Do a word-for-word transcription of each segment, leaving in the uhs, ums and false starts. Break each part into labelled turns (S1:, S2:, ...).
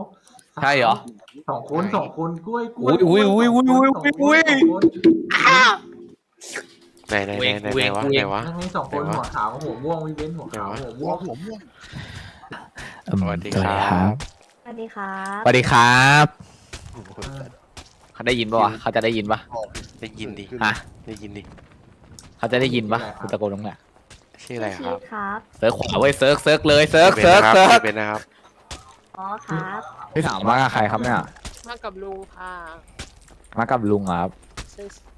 S1: ใช่เหรอ
S2: สองคนสองคนกล้วยกล้วย
S1: อุ้ยอุ้ยอุ้ยอุ้ยอุ้ยอุ้ยอุ้ย
S3: ไหนไหนไหนไหนไหนวะไหนวะ
S2: นั่งให้สองคนหัวขาวหัวม่วงวิเว้นหัวขาวหัวม่วง
S4: หัวม่วง
S3: สวัสดีครับ
S5: สวัสดีครับ
S1: สวัสดีครับเขาได้ยินปะวะเขาจะได้ยินปะ
S3: ได้ยินดิ
S1: ฮะ
S3: ได้ยินดิ
S1: เขาจะได้ยินปะคุณตะโกนตรงไหน
S3: ชื่ออะไรครับ
S5: ครับ
S1: เซิร์ฟขวาเว้ยเซิร์ฟเซิร์ฟเลยเซิร์ฟเซิร์ฟเซิร์ฟ
S3: เป็นนะครับ
S5: อ๋อครับ
S1: พี่ถามว่าใครครับเนี่ย
S6: มากับลุงค่ะ
S1: มากับลุงครับ
S6: ใช่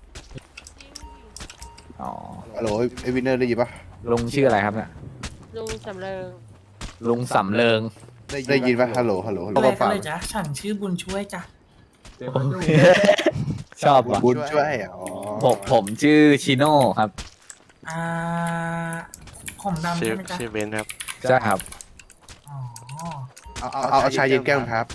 S1: อ๋อ
S4: ฮัลโหลไอวินเนอร์ได้ยินปะ
S1: ลุงชื่ออะไรครับเนี่ย
S6: ลุงสำเริง
S1: ลุงสำเริง
S4: ได้ยินปะฮัลโหลฮัลโหลฮัลโหล
S7: อะไร
S4: ก็
S7: กัน
S4: ฟัง
S7: เลยจ๊ะฉันชื่อบุญช่วยจ้ะ
S2: เต็มประตู
S1: ชอบว่ะ
S4: บุญช่วยอ๋อ
S1: ผมผมชื่อชิโน่ครับ
S7: อ่าผมดำ
S3: ชื่อ
S7: ใช่ไหมจ๊ะ
S3: ชื่อเบนครับ
S1: ใช่ครับ
S7: อ๋อ
S4: เอาเอาเอาเอาชายเย็นแก้วครับ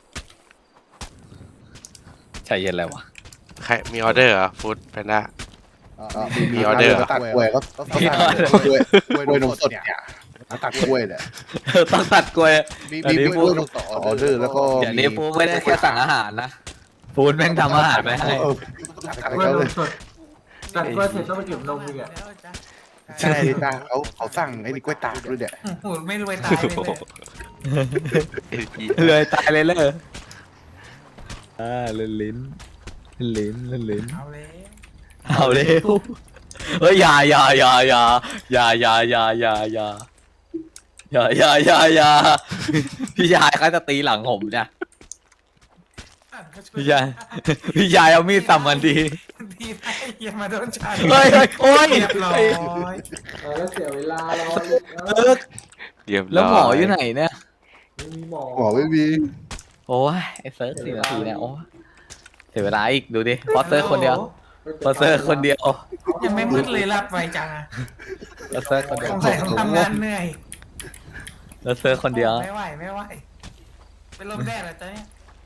S1: ใช่เย็นแล้ววะ
S3: ใครมีออเดอร์เหรอฟู้ดแพนด้า
S4: มี
S3: มีออเดอร์
S4: ตักกล้วยก็ต้องตักกล้วยกล้วยนมสดเนี่ยตักกล้วยเนี่ย
S1: ต้องตัดกล้วย
S4: มี
S1: อัน
S4: มี
S1: นี้
S4: ก
S1: พู
S4: ล้
S1: ด
S4: วยนมสดออเดอร์แล้วก็
S1: เดี๋ยวนี้ฟูไม่ได้แค่สั่งอาหารนะฟูแม่งทำอาหารไปให้
S4: เออตัก
S2: ก
S4: ให้
S2: ล้วย
S4: เขา
S2: น
S4: เล
S2: ม
S4: ย
S2: สดตัดกล้วยเสร็จต้องไปเก็บนมอีกอ่ะ
S7: แล้วจ๊ะ
S4: ใช่จ้าเขาเขาสั่งไอ้นี่กล้วยตากด้วยเนี่ย
S7: โอ้โหไม่รวยตายเลยเนี่ย
S3: เอ็นพี
S1: เลยตายเลยเลยอ่าเล่นลิ้นเล่นลิ้นเล่นลิ้น
S7: เอาเลย
S1: เอาเร็วเฮ้ยอย่าอย่าอย่าอย่าอย่าอย่าอย่าอย่าอย่าอย่าอย่าอย่าอย่าพี่ชายเขาจะตีหลังผมเนี่ย
S7: อ่ะก็ช่วย
S1: พี่ชายพี่ชายเอามีดสับมันที
S7: ทีได้อย่ามาโดนฉัน
S1: เฮ้ยเฮ้ยโอ้ย
S7: เรียบร้อย
S2: เออแล้วเสียเวลารอ
S1: เออ
S3: เรียบร้อย
S1: แล้วหมออยู่ไหนเนี่ย
S2: ไม่มีหมอ
S4: หมอไม่มี
S1: โอ้ยไอ้เซิร์ฟสี่นาทีเนี่ยโอ้ยเสียเวลาอีกดูดิพอเซิร์ฟคนเดียวพอเซิร์ฟคนเดียว
S7: ยังไม่มืดเลยรับไวจังอะ
S1: พอเซิร์ฟคนเดี
S7: ส
S1: ยว
S7: งสัยต้องทำงานเหนื่อย
S1: แล้วเซิร์ฟคนเดียว
S7: ไม่ไหวไม่ไหวเป็นลมแดดเหรอจ๊ะเนี่ย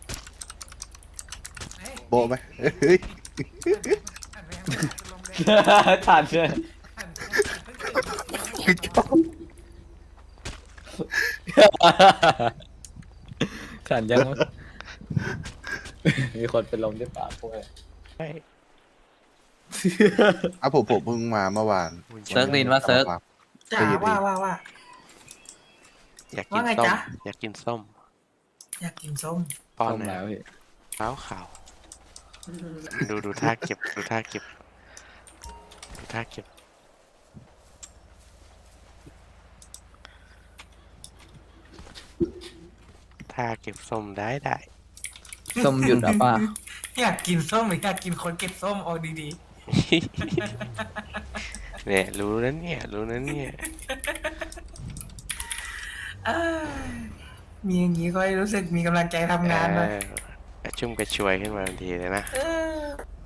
S7: เฮ้ย
S4: โบะไหมเฮ้ย
S7: หันไปข้างหลังเป็นลมแดด
S1: ทันเลย
S7: หันไปข้างหลัง
S1: ขันยังวะมีคนเป็นลมด้วยปากพวก
S4: อ่ะผมผมเพิ่งมาเมื่อวาน
S1: เซิร์ฟดินว่าเซิร์ฟ
S7: จ๋าว่าว่าว่า
S3: อยากกิน
S7: ว่าไง
S3: ส้ม
S7: จ๊ะ
S3: อยากกินส้ม
S7: อยากกินส้ม
S3: ป้อน
S1: ต้ม
S3: หน่
S1: แล้
S3: อยว
S1: พี่
S3: ขาวขาวดูดูท่าเก็บดูท่าเก็บดูท่าเก็บท่าเก็บส้มได้ได้
S1: ส้มหยุดอ่ะป้า
S7: อยากกินส้มหรืออยากกินคนเก็บส้มเอาดี
S3: เนี่ยรู้นั้นเนี่ยรู้นั้นเนี่ย
S7: ๆอ้ายมีอย่างนี้ก็รู้สึกมีกำลังใจทำงานเลย
S3: เออกระชุ่มกระชวยขึ้นมาทันทีเลยนะ
S7: เออ